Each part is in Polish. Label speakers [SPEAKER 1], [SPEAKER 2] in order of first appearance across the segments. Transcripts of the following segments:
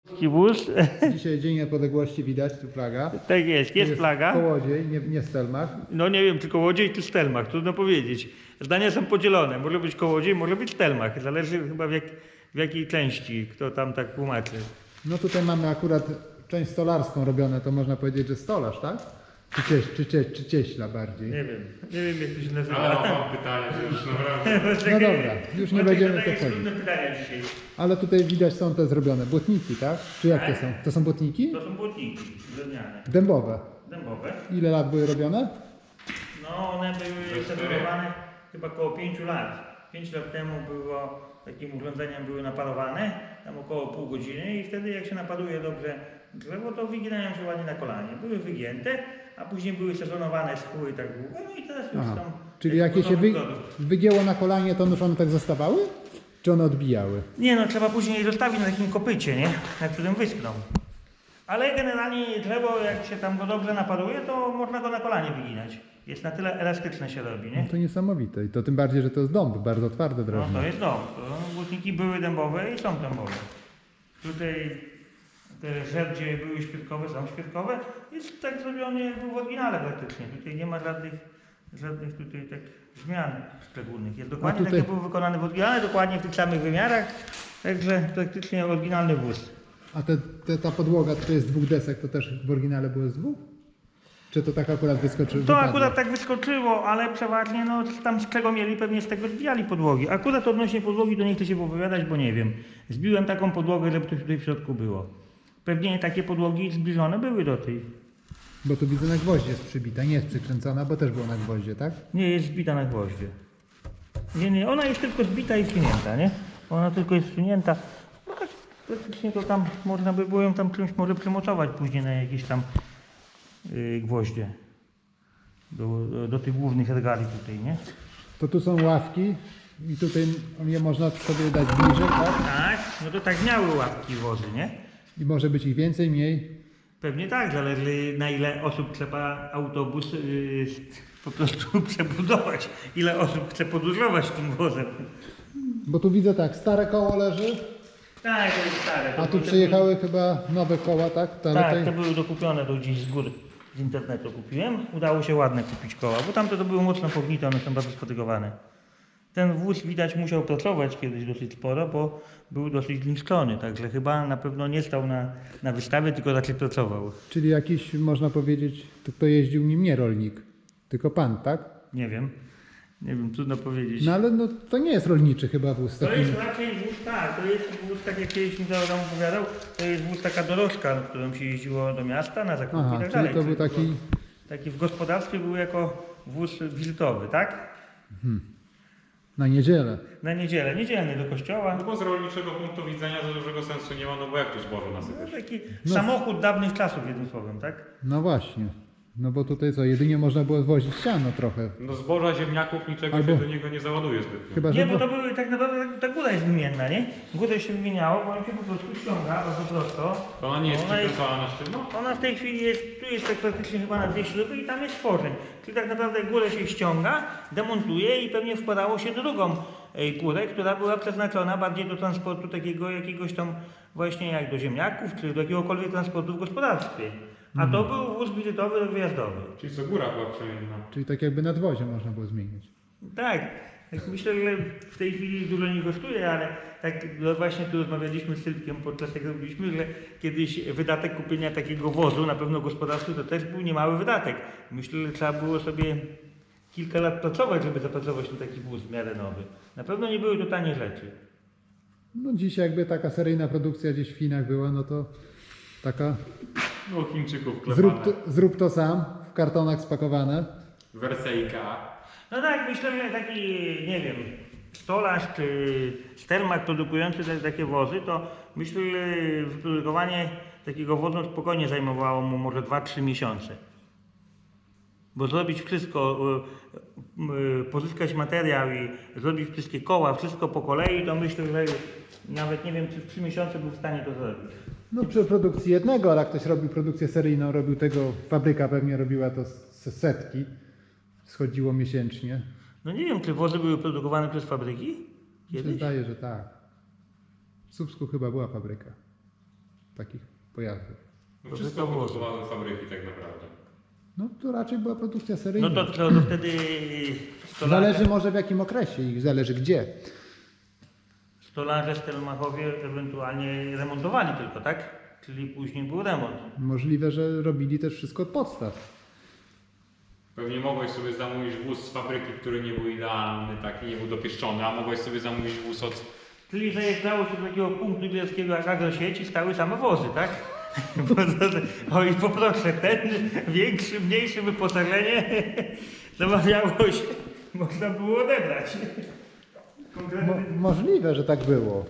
[SPEAKER 1] Wóz.
[SPEAKER 2] Dzisiaj Dzień Niepodległości, widać tu flaga.
[SPEAKER 1] Tak jest flaga.
[SPEAKER 2] Kołodziej, nie Stelmach.
[SPEAKER 1] No nie wiem, czy Kołodziej, czy Stelmach, trudno powiedzieć. Zdania są podzielone, może być Kołodziej, może być Stelmach. Zależy chyba w jakiej części, kto tam tak tłumaczy.
[SPEAKER 2] No tutaj mamy akurat część stolarską robione, to można powiedzieć, że stolarz, tak? Czy cieśla bardziej?
[SPEAKER 1] Nie wiem jak to się nazywa.
[SPEAKER 3] Ale mam pytanie, że już naprawdę.
[SPEAKER 2] No dobra, już nie będziemy to
[SPEAKER 1] wchodzić.
[SPEAKER 2] wchodzić.
[SPEAKER 1] Trudne pytania dzisiaj.
[SPEAKER 2] Ale tutaj widać są te zrobione błotniki, tak? Czy jak to są? To są błotniki?
[SPEAKER 1] To są błotniki drewniane,
[SPEAKER 2] Dębowe.
[SPEAKER 1] dębowe.
[SPEAKER 2] Ile lat były robione?
[SPEAKER 1] No one były zaparowane chyba około 5 lat. 5 lat temu było takim urządzeniem były naparowane, tam około pół godziny i wtedy jak się napaduje dobrze drzewo, to wyginają się ładnie na kolanie. Były wygięte, a później były sezonowane, schły tak długo, no i teraz już
[SPEAKER 2] Aha.
[SPEAKER 1] są...
[SPEAKER 2] Czyli jak je się
[SPEAKER 1] gotowy produkt.
[SPEAKER 2] wygięło na kolanie, to już one tak zostawały? Czy one odbijały?
[SPEAKER 1] Nie no, trzeba później je zostawić na takim kopycie, nie? Na którym wyschną. Ale generalnie drzewo, jak się tam go dobrze napaduje, to można go na kolanie wyginać. Jest na tyle elastyczne się robi, nie?
[SPEAKER 2] No to niesamowite. I to tym bardziej, że to jest dąb, bardzo twarde
[SPEAKER 1] No
[SPEAKER 2] drewno.
[SPEAKER 1] to jest dom. To błotniki były dębowe i są dębowe. Tutaj te żerdzie były świerkowe, są świerkowe. Jest tak zrobiony jak był w oryginale praktycznie. Tutaj nie ma żadnych tutaj tak zmian szczególnych. Jest dokładnie
[SPEAKER 2] tutaj-
[SPEAKER 1] tak jak był wykonany w oryginale, dokładnie w tych samych wymiarach. Także praktycznie oryginalny wóz.
[SPEAKER 2] A ta podłoga, to jest z dwóch desek, to też w oryginale było z dwóch? Czy to tak akurat wyskoczyło?
[SPEAKER 1] To akurat tak wyskoczyło, ale przeważnie no tam z czego mieli, pewnie z tego zbijali podłogi. Akurat odnośnie podłogi to nie chcę się wypowiadać, bo nie wiem. Zbiłem taką podłogę, żeby coś tutaj w środku było. Pewnie takie podłogi zbliżone były do tej.
[SPEAKER 2] Bo tu widzę na gwoździe jest przybita, nie jest przykręcona, bo też było na gwoździe, tak?
[SPEAKER 1] Nie jest zbita na gwoździe. Nie, ona jest tylko zbita i wsunięta, nie? Ona tylko jest wsunięta. No tak, praktycznie to tam można by było ją tam czymś może przymocować później na jakieś tam gwoździe. Do tych głównych regali tutaj, nie?
[SPEAKER 2] To tu są ławki i tutaj je można sobie dać bliżej, tak?
[SPEAKER 1] Tak, no to tak miały łapki wozy, nie?
[SPEAKER 2] I może być ich więcej, mniej.
[SPEAKER 1] Pewnie tak, zależy na ile osób trzeba autobus po prostu przebudować, ile osób chce podróżować tym wozem.
[SPEAKER 2] Bo tu widzę tak, stare koło leży,
[SPEAKER 1] Tak, to jest stare.
[SPEAKER 2] a tu przyjechały chyba nowe koła, tak?
[SPEAKER 1] Tak, te były dokupione do gdzieś z góry, z internetu kupiłem. Udało się ładne kupić koła, bo tamte to były mocno pognite, one są bardzo spotygowane. Ten wóz widać musiał pracować kiedyś dosyć sporo, bo był dosyć zniszczony, także chyba na pewno nie stał na wystawie, tylko raczej pracował.
[SPEAKER 2] Czyli jakiś, można powiedzieć, kto jeździł nim nie rolnik, tylko pan, tak?
[SPEAKER 1] Nie wiem, trudno powiedzieć.
[SPEAKER 2] No ale no, to nie jest rolniczy chyba wóz.
[SPEAKER 1] To
[SPEAKER 2] Taki...
[SPEAKER 1] jest raczej wóz, tak, to jest wóz, tak jak kiedyś mi tam opowiadał, to jest wóz taka dorożka, którą się jeździło do miasta na zakupy
[SPEAKER 2] Aha,
[SPEAKER 1] i tak
[SPEAKER 2] czyli
[SPEAKER 1] dalej.
[SPEAKER 2] to był taki...
[SPEAKER 1] Taki w gospodarstwie był jako wóz wizytowy, tak?
[SPEAKER 2] na niedzielę.
[SPEAKER 1] Na niedzielę, niedzielny do kościoła.
[SPEAKER 3] No bo z rolniczego punktu widzenia za dużego sensu nie ma, no bo jak tu zboże
[SPEAKER 1] No,
[SPEAKER 3] nasypiesz?
[SPEAKER 1] taki samochód dawnych czasów, jednym słowem, tak?
[SPEAKER 2] No właśnie. No bo tutaj co, jedynie można było zwozić siano trochę.
[SPEAKER 3] No zboża, ziemniaków, niczego
[SPEAKER 2] Albo-
[SPEAKER 3] się do niego nie załaduje zbytnio.
[SPEAKER 2] Chyba, że...
[SPEAKER 1] Nie, bo to były tak naprawdę, ta góra jest wymienna, nie? Górę się wymieniało, bo on się po prostu ściąga bardzo prosto.
[SPEAKER 3] To ona nie jest
[SPEAKER 1] Ona jest-
[SPEAKER 3] przykręcona na sztywno?
[SPEAKER 1] Ona w tej chwili jest, tu jest tak praktycznie chyba na 2 śruby i tam jest stworzeń. Czyli tak naprawdę górę się ściąga, demontuje i pewnie wkładało się drugą górę, która była przeznaczona bardziej do transportu takiego jakiegoś tam właśnie jak do ziemniaków, czy do jakiegokolwiek transportu w gospodarstwie. A to był wóz wizytowy wyjazdowy.
[SPEAKER 3] Czyli co, góra była przemienna.
[SPEAKER 2] Czyli tak jakby nadwozie można było zmienić.
[SPEAKER 1] Tak, tak myślę, że w tej chwili dużo nie kosztuje, ale tak no właśnie tu rozmawialiśmy z Sylwkiem podczas tego robiliśmy, że kiedyś wydatek kupienia takiego wozu na pewno gospodarstwu to też był niemały wydatek. Myślę, że trzeba było sobie kilka lat pracować, żeby zapracować na taki wóz w miarę nowy. Na pewno nie były to tanie rzeczy.
[SPEAKER 2] No dziś jakby taka seryjna produkcja gdzieś w Chinach była, no to taka
[SPEAKER 3] No Chińczyków klepane.
[SPEAKER 2] zrób to sam, w kartonach spakowane.
[SPEAKER 3] Wersejka.
[SPEAKER 1] No tak, myślę, że taki, nie wiem, stolarz czy Stelmach produkujący takie wozy, to myślę, że wyprodukowanie takiego wozu spokojnie zajmowało mu może 2-3 miesiące. Bo zrobić wszystko, pozyskać materiał i zrobić wszystkie koła, wszystko po kolei, to myślę, że nawet nie wiem, czy w 3 miesiące był w stanie to zrobić.
[SPEAKER 2] No przy produkcji jednego, ale jak ktoś robił produkcję seryjną, robił tego, fabryka pewnie robiła to z setki, schodziło miesięcznie.
[SPEAKER 1] No nie wiem, czy wozy były produkowane przez fabryki?
[SPEAKER 2] Mi się
[SPEAKER 1] Kiedyś?
[SPEAKER 2] zdaje, że tak. W Słupsku chyba była fabryka. takich pojazdów.
[SPEAKER 3] No wszystko produkowały fabryki tak naprawdę.
[SPEAKER 2] No to raczej była produkcja
[SPEAKER 1] No
[SPEAKER 2] seryjna.
[SPEAKER 1] to wtedy stolarze,
[SPEAKER 2] Zależy może w jakim okresie i zależy gdzie.
[SPEAKER 1] stolarze Stelmachowie ewentualnie remontowali tylko, tak? Czyli później był remont.
[SPEAKER 2] Możliwe, że robili też wszystko od podstaw.
[SPEAKER 3] Pewnie mogłeś sobie zamówić wóz z fabryki, który nie był idealny, taki nie był dopieszczony, a mogłeś sobie zamówić wóz od...
[SPEAKER 1] Czyli zajeżdżało się do takiego punktu bielskiego jak agrosieci, stały same wozy, tak? O i poproszę, ten większy, mniejszy wyposażenie zamawiało się, można było odebrać.
[SPEAKER 2] Możliwe, że tak było.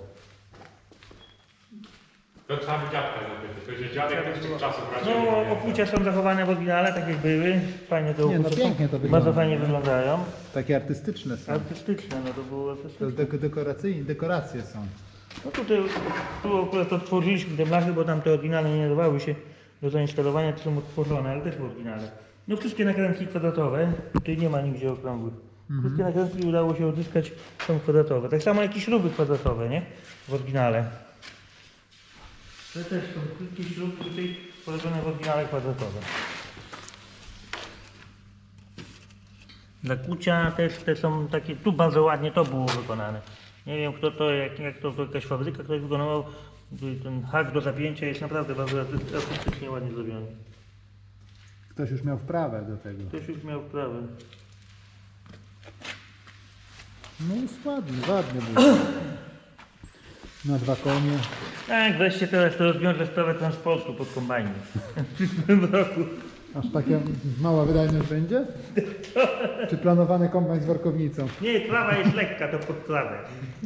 [SPEAKER 3] To trzeba by dziadka zapytać, to że dziadek też tych czasów raczej nie
[SPEAKER 1] No
[SPEAKER 3] pamięta.
[SPEAKER 1] okucia są zachowane w oryginale, tak jak były. Fajnie to
[SPEAKER 2] Nie, no
[SPEAKER 1] okucia są.
[SPEAKER 2] pięknie to wygląda.
[SPEAKER 1] Bardzo fajnie wyglądają.
[SPEAKER 2] Takie artystyczne są.
[SPEAKER 1] Artystyczne, no to było
[SPEAKER 2] To
[SPEAKER 1] artystyczne.
[SPEAKER 2] dekoracje są.
[SPEAKER 1] No tutaj, tu akurat odtworzyliśmy te blachy, bo tam te oryginalne nie dawały się do zainstalowania, to są odtworzone, ale też w oryginale. No wszystkie nakrętki kwadratowe, tutaj nie ma nigdzie okrągłych. Wszystkie nakrętki udało się odzyskać, są kwadratowe. Tak samo jak i śruby kwadratowe, nie? W oryginale. To też są wszystkie śruby tutaj porobione w oryginale kwadratowe. Dla kucia też te są takie, tu bardzo ładnie to było wykonane. Nie wiem kto to, jak to jakaś fabryka ktoś wykonywał. Ten hak do zapięcia jest naprawdę bardzo artystycznie ładnie zrobiony.
[SPEAKER 2] Ktoś już miał wprawę do tego.
[SPEAKER 1] Ktoś już miał wprawę.
[SPEAKER 2] No jest ładny był. Na 2 konie.
[SPEAKER 1] Tak, wreszcie teraz to rozwiąże sprawę transportu pod kombajnem. W przyszłym roku.
[SPEAKER 2] Aż taka mała wydajność będzie? Czy planowany kombajn z workownicą?
[SPEAKER 1] Nie, trawa jest lekka, to pod trawę.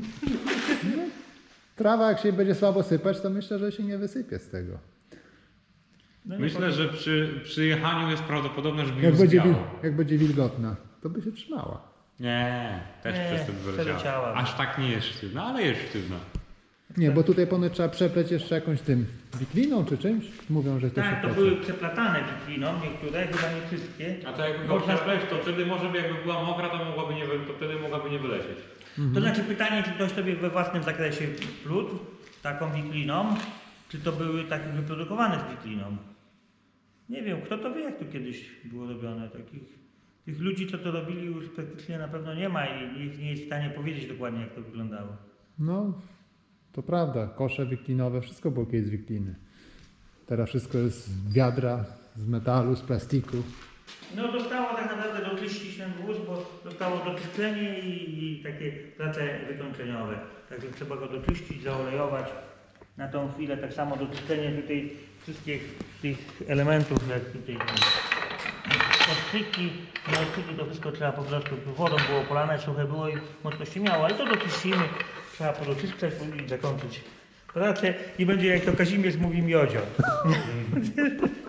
[SPEAKER 2] Trawa jak się będzie słabo sypać, to myślę, że się nie wysypie z tego.
[SPEAKER 1] No nie
[SPEAKER 3] Myślę, że przy jechaniu jest prawdopodobne, że by
[SPEAKER 2] Jak
[SPEAKER 3] już
[SPEAKER 2] będzie,
[SPEAKER 3] zwiało.
[SPEAKER 2] jak będzie wilgotna, to by się trzymała.
[SPEAKER 3] Nie, też
[SPEAKER 1] Nie,
[SPEAKER 3] przez ten wyleciała.
[SPEAKER 1] przeleciała.
[SPEAKER 3] Aż tak nie jest sztywna, ale jest sztywna.
[SPEAKER 2] Nie, bo tutaj ponoć trzeba przepleć jeszcze jakąś tym wikliną czy czymś. Mówią, że to się
[SPEAKER 1] Tak, to
[SPEAKER 2] plecie.
[SPEAKER 1] były przeplatane wikliną, niektóre, chyba nie wszystkie.
[SPEAKER 3] A to jakby go
[SPEAKER 1] Można-
[SPEAKER 3] przepleść, to wtedy może by jakby była mokra, to wtedy mogłaby nie wylecieć.
[SPEAKER 1] To znaczy pytanie, czy ktoś sobie we własnym zakresie plótł taką wikliną, czy to były takie wyprodukowane z wikliną. Nie wiem, kto to wie, jak to kiedyś było robione. Tych ludzi, co to robili, już praktycznie na pewno nie ma i nikt nie jest w stanie powiedzieć dokładnie, jak to wyglądało.
[SPEAKER 2] No, to prawda. Kosze wiklinowe, wszystko było kiedyś z wikliny. Teraz wszystko jest z wiadra, z metalu, z plastiku.
[SPEAKER 1] No zostało tak naprawdę doczyścić ten wóz, bo zostało doczyszczenie i takie prace wykończeniowe. Także trzeba go doczyścić, zaolejować. Na tą chwilę tak samo doczyszczenie tutaj wszystkich tych elementów, jak tutaj odczyki, na odczyki to wszystko trzeba po prostu wodą było polane, suche było i mocno się miało, ale to doczyścimy, trzeba podoczyszczać i zakończyć pracę i będzie jak to Kazimierz mówi miodzio.